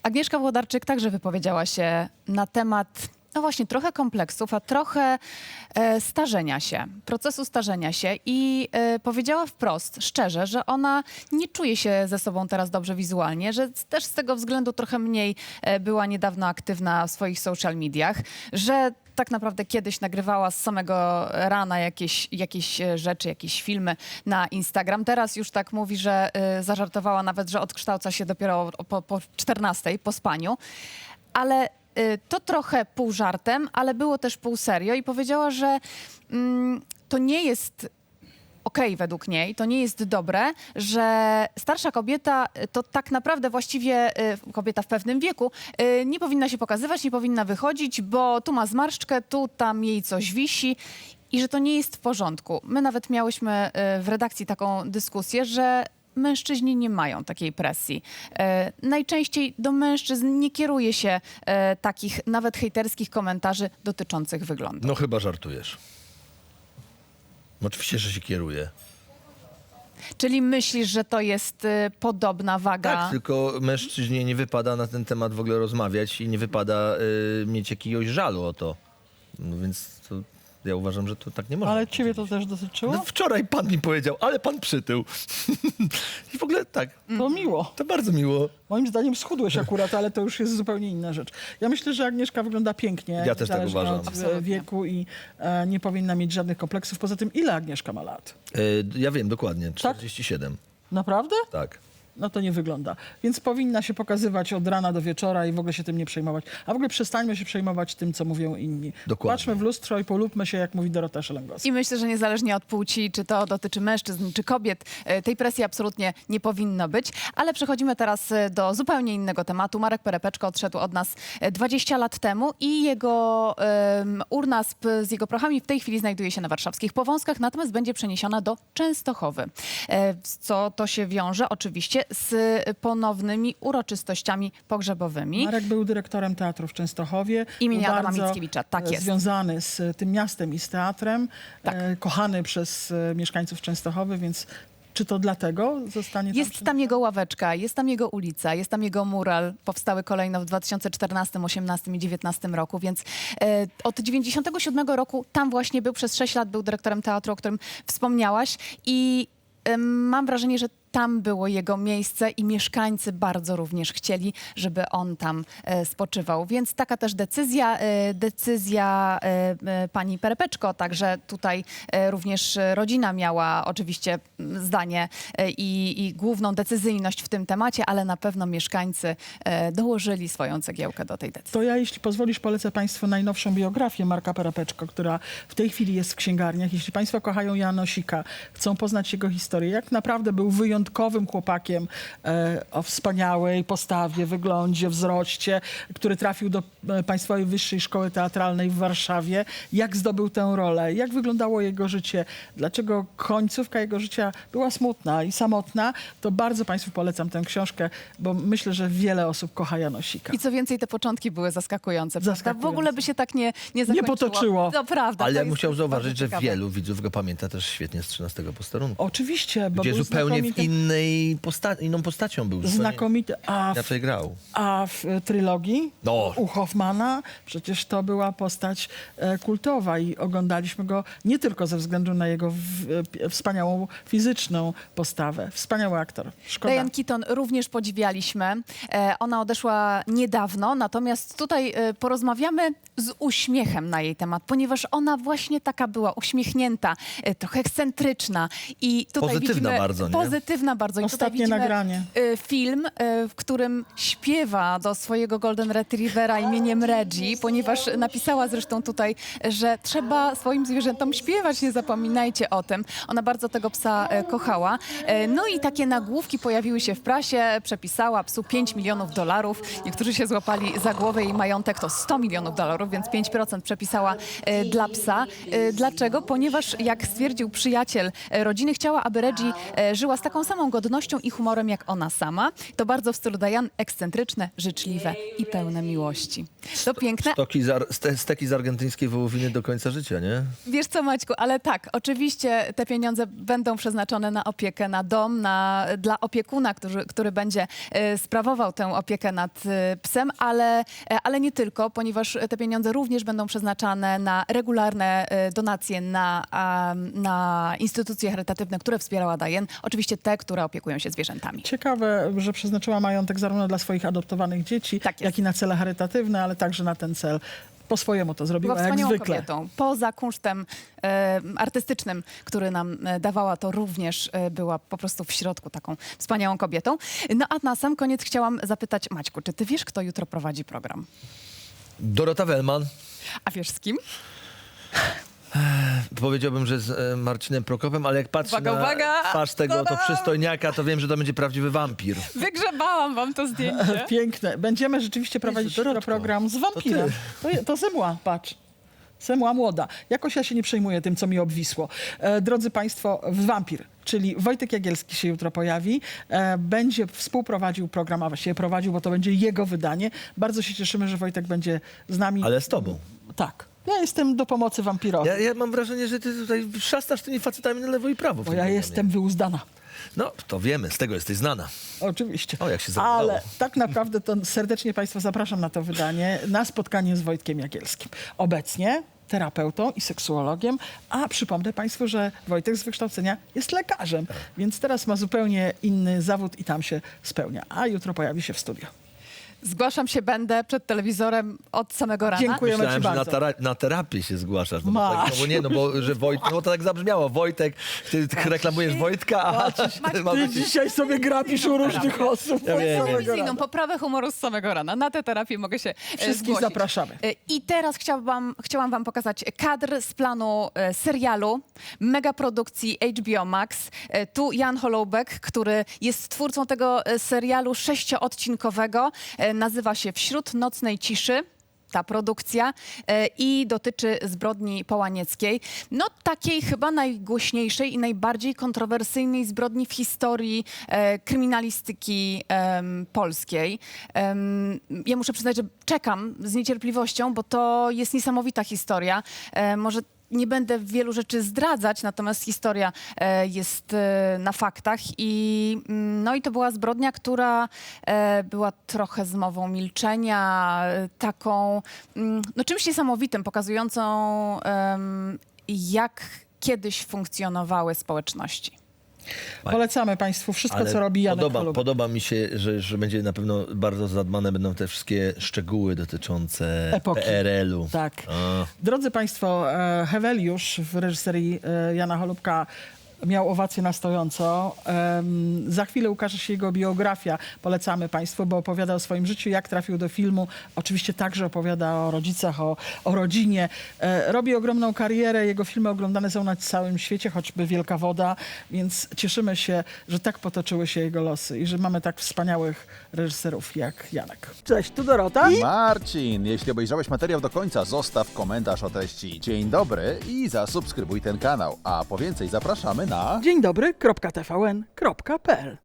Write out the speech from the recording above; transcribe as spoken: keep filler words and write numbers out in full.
Agnieszka Włodarczyk także wypowiedziała się na temat, no właśnie, trochę kompleksów, a trochę e, starzenia się, procesu starzenia się i e, powiedziała wprost, szczerze, że ona nie czuje się ze sobą teraz dobrze wizualnie, że też z tego względu trochę mniej e, była niedawno aktywna w swoich social mediach, że tak naprawdę kiedyś nagrywała z samego rana jakieś, jakieś e, rzeczy, jakieś filmy na Instagram. Teraz już tak mówi, że e, zażartowała nawet, że odkształca się dopiero po, po czternastej, po spaniu. Ale y, to trochę pół żartem, ale było też pół serio i powiedziała, że mm, to nie jest okej według niej, to nie jest dobre, że starsza kobieta y, to tak naprawdę właściwie y, kobieta w pewnym wieku y, nie powinna się pokazywać, nie powinna wychodzić, bo tu ma zmarszczkę, tu tam jej coś wisi. I że to nie jest w porządku. My nawet miałyśmy y, w redakcji taką dyskusję, że mężczyźni nie mają takiej presji. E, najczęściej do mężczyzn nie kieruje się e, takich nawet hejterskich komentarzy dotyczących wyglądu. No chyba żartujesz. No, oczywiście, że się kieruje. Czyli myślisz, że to jest e, podobna waga? Tak, tylko mężczyźnie nie wypada na ten temat w ogóle rozmawiać i nie wypada y, mieć jakiegoś żalu o to. No więc to, ja uważam, że to tak nie można. Ale ciebie to też dotyczyło? No, wczoraj pan mi powiedział, ale pan przytył. I w ogóle tak, To miło. to bardzo miło. Moim zdaniem schudłeś akurat, ale to już jest zupełnie inna rzecz. Ja myślę, że Agnieszka wygląda pięknie. Ja też tak niezależnie uważam. od e, Absolutnie. wieku i e, nie powinna mieć żadnych kompleksów. Poza tym, ile Agnieszka ma lat? Y, ja wiem dokładnie, czterdzieści siedem. Naprawdę? Tak. No to nie wygląda. Więc powinna się pokazywać od rana do wieczora i w ogóle się tym nie przejmować. A w ogóle przestańmy się przejmować tym, co mówią inni. Dokładnie. Patrzmy w lustro i polubmy się, jak mówi Dorota Szelengowska. I myślę, że niezależnie od płci, czy to dotyczy mężczyzn, czy kobiet, e, tej presji absolutnie nie powinno być. Ale przechodzimy teraz e, do zupełnie innego tematu. Marek Perepeczko odszedł od nas e, dwadzieścia lat temu i jego em, urna z, z jego prochami w tej chwili znajduje się na warszawskich Powązkach, natomiast będzie przeniesiona do Częstochowy. E, co to się wiąże oczywiście z ponownymi uroczystościami pogrzebowymi. Marek był dyrektorem teatru w Częstochowie. Imienia Był Adama bardzo, Mickiewicza, tak e, jest. Związany z tym miastem i z teatrem. Tak. E, kochany przez e, mieszkańców Częstochowy, więc czy to dlatego zostanie tam? Jest tam jego ławeczka, jest tam jego ulica, jest tam jego mural. Powstały kolejno w dwa tysiące czternastym, osiemnastym i dziewiętnastym roku, więc e, od dziewięćdziesiątego siódmego roku tam właśnie był, przez sześć lat był dyrektorem teatru, o którym wspomniałaś i e, mam wrażenie, że tam było jego miejsce i mieszkańcy bardzo również chcieli, żeby on tam e, spoczywał. Więc taka też decyzja, e, decyzja e, e, pani Perepeczko, także tutaj e, również rodzina miała oczywiście m, zdanie e, i, i główną decyzyjność w tym temacie, ale na pewno mieszkańcy e, dołożyli swoją cegiełkę do tej decyzji. To ja, jeśli pozwolisz, polecę Państwu najnowszą biografię Marka Perepeczko, która w tej chwili jest w księgarniach. Jeśli Państwo kochają Janosika, chcą poznać jego historię, jak naprawdę był wyjątkowym chłopakiem e, o wspaniałej postawie, wyglądzie, wzroście, który trafił do e, Państwowej Wyższej Szkoły Teatralnej w Warszawie. Jak zdobył tę rolę? Jak wyglądało jego życie? Dlaczego końcówka jego życia była smutna i samotna? To bardzo Państwu polecam tę książkę, bo myślę, że wiele osób kocha Janosika. I co więcej, te początki były zaskakujące. Prawda? W Zaskakujące. ogóle by się tak nie, nie zakończyło. potoczyło. To prawda. Ale to ja jest musiał bardzo zauważyć, że ciekawe. wielu widzów go pamięta też świetnie z trzynastego posterunku. Oczywiście, bo Gdzie był zupełnie w znakomity, innej posta- inną postacią był. zupełnie znakomity. A w Inaczej grał. A w e, trylogii No. u Hoffmana przecież to była postać e, kultowa i oglądaliśmy go nie tylko ze względu na jego w, e, wspaniałą fizyczną postawę. Wspaniały aktor. Szkoda. Diane Keaton również podziwialiśmy. E, ona odeszła niedawno, natomiast tutaj e, porozmawiamy z uśmiechem na jej temat, ponieważ ona właśnie taka była, uśmiechnięta, e, trochę ekscentryczna i tutaj Pozytywna widzimy, bardzo, nie? Pozytywna bardzo. I tutaj Ostatnie widzimy nagranie. e, film, e, w którym śpiewa do swojego Golden Retrievera imieniem Reggie, ponieważ napisała zresztą tutaj, że trzeba swoim zwierzętom śpiewać, nie zapominajcie o tym. Ona bardzo tego psa e, kochała. E, no i takie nagłówki pojawiły się w prasie, przepisała psu pięć milionów dolarów. Niektórzy się złapali za głowę, jej majątek to sto milionów dolarów, więc pięć procent przepisała e, dla psa. E, dlaczego? Ponieważ jak stwierdził przyjaciel e, rodziny, chciała, aby Reggie e, żyła z taką samą godnością i humorem jak ona sama. To bardzo w stylu Diane, ekscentryczne, życzliwe i pełne miłości. To piękne. Stoki z, ar- ste- steki z argentyńskiej wołowiny do końca życia, nie? Wiesz co, Maćku, ale tak, oczywiście te pieniądze będą przeznaczone na opiekę, na dom, na, dla opiekuna, który, który będzie e, sprawował tę opiekę nad e, psem, ale, e, ale nie tylko, ponieważ te pieniądze również będą przeznaczane na regularne e, donacje na, a, na instytucje charytatywne, które wspierała Diane. Oczywiście te, które opiekują się zwierzętami. Ciekawe, że przeznaczyła majątek zarówno dla swoich adoptowanych dzieci, Tak jest. jak i na cele charytatywne, ale także na ten cel. Po swojemu to zrobiła, Była jak wspaniałą zwykle. kobietą. Poza kunsztem e, artystycznym, który nam e, dawała, to również e, była po prostu w środku taką wspaniałą kobietą. No a na sam koniec chciałam zapytać Maćku, czy ty wiesz, kto jutro prowadzi program? Dorota Wellman. A wiesz z kim? Powiedziałbym, że z e, Marcinem Prokopem, ale jak patrzę Uwaga, na uwaga! twarz tego to Ta-dam! przystojniaka, to wiem, że to będzie prawdziwy wampir. Wygrzebałam wam to zdjęcie. Piękne. Będziemy rzeczywiście prowadzić jutro Dorotko, program z to wampirem. ty. To, je- to Zemła, patrz. Zemła młoda. Jakoś ja się nie przejmuję tym, co mi obwisło. E, drodzy Państwo, wampir, czyli Wojtek Jagielski się jutro pojawi. E, będzie współprowadził program, a właściwie prowadził, bo to będzie jego wydanie. Bardzo się cieszymy, że Wojtek będzie z nami. Ale z tobą. Tak. Ja jestem do pomocy wampirowi, Ja, ja mam wrażenie, że ty tutaj szastasz tymi facetami na lewo i prawo. w bo tym ja programie. jestem wyuzdana. No, to wiemy, z tego jesteś znana. Oczywiście. O, jak się zawołało. Ale tak naprawdę to serdecznie Państwa zapraszam na to wydanie, na spotkanie z Wojtkiem Jagielskim. Obecnie terapeutą i seksuologiem, a przypomnę Państwu, że Wojtek z wykształcenia jest lekarzem, więc teraz ma zupełnie inny zawód i tam się spełnia. A jutro pojawi się w studio. Zgłaszam się, będę przed telewizorem od samego rana. Dziękujemy Myślałem, Ci że na, bardzo. tera- na terapię się zgłaszasz. No, bo Masz. tak, no bo nie, no bo że Wojt, no to tak zabrzmiało. Wojtek, ty, ty reklamujesz Wojtka, a ty mam Ty dzisiaj sobie grabisz u różnych osób. Ja od wiem, samego wiem. Telewizyjną rana. poprawę humoru z samego rana. Na tę terapię mogę się e, Wszystkich zgłosić. zapraszamy. E, I teraz chciałam, chciałam wam pokazać kadr z planu e, serialu, megaprodukcji H B O Max. E, Tu Jan Holoubek, który jest twórcą tego e, serialu sześcioodcinkowego. E, Nazywa się Wśród nocnej ciszy. Ta produkcja e, i dotyczy zbrodni połanieckiej. No takiej chyba najgłośniejszej i najbardziej kontrowersyjnej zbrodni w historii e, kryminalistyki em, polskiej. Em, ja muszę przyznać, że czekam z niecierpliwością, bo to jest niesamowita historia. E, może nie będę wielu rzeczy zdradzać, natomiast historia e, jest e, na faktach i, mm, no i to była zbrodnia, która e, była trochę zmową milczenia, e, taką mm, no, czymś niesamowitym, pokazującą em, jak kiedyś funkcjonowały społeczności. Polecamy Państwu wszystko, Ale co robi Janek podoba, Holoubek. podoba mi się, że, że będzie na pewno bardzo zadbane będą te wszystkie szczegóły dotyczące Epoki. P R L-u. Tak. A. Drodzy Państwo, e, Heweliusz w reżyserii e, Jana Holubka miał owację na stojąco. Em, za chwilę ukaże się jego biografia. Polecamy Państwu, bo opowiada o swoim życiu, jak trafił do filmu. Oczywiście także opowiada o rodzicach, o, o rodzinie. E, robi ogromną karierę. Jego filmy oglądane są na całym świecie, choćby Wielka Woda. Więc cieszymy się, że tak potoczyły się jego losy i że mamy tak wspaniałych reżyserów jak Janek. Cześć, tu Dorota. Marcin, jeśli obejrzałeś materiał do końca, zostaw komentarz o treści dzień dobry i zasubskrybuj ten kanał. A po więcej zapraszamy na... Dzień dobry, kropka T V N, kropka P L.